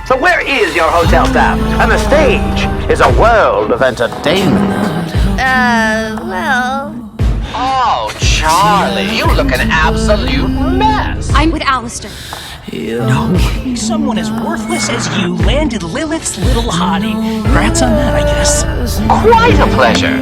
So where is your hotel staff? And the stage is a world of entertainment. Well... Oh, Charlie, you look an absolute mess. I'm with Alistair. No way someone as worthless as you landed Lilith's little hottie. Congrats on that, I guess. Quite a pleasure.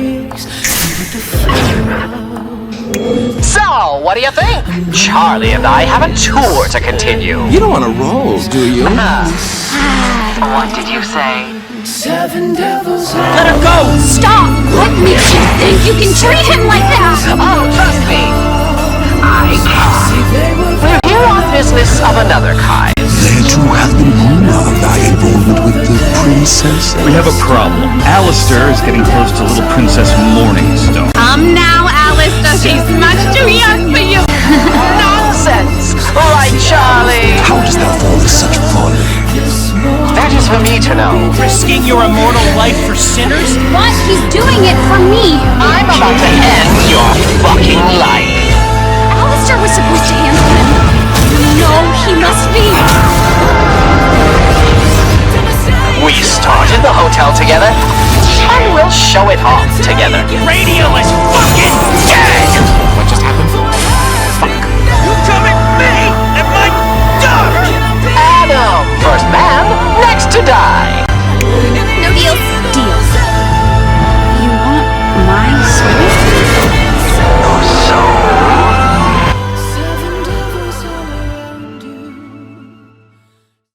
So, what do you think? Charlie and I have a tour to continue. You don't want to roll, do you? What did you say? Let her go! Stop! What makes you think you can treat him like that? Oh, trust me. I can. We're here on business of another kind. There too have been rumor of thy involvement with the princess. We have a problem. Alistair is getting close to little Princess Morningstar. Come now, Alistair. She's much too young for you. Nonsense! Right, Charlie? How dost thou fall to such folly? That is for me to know. Risking your immortal life for sinners? What? He's doing it for me. I'm about to end your fucking life.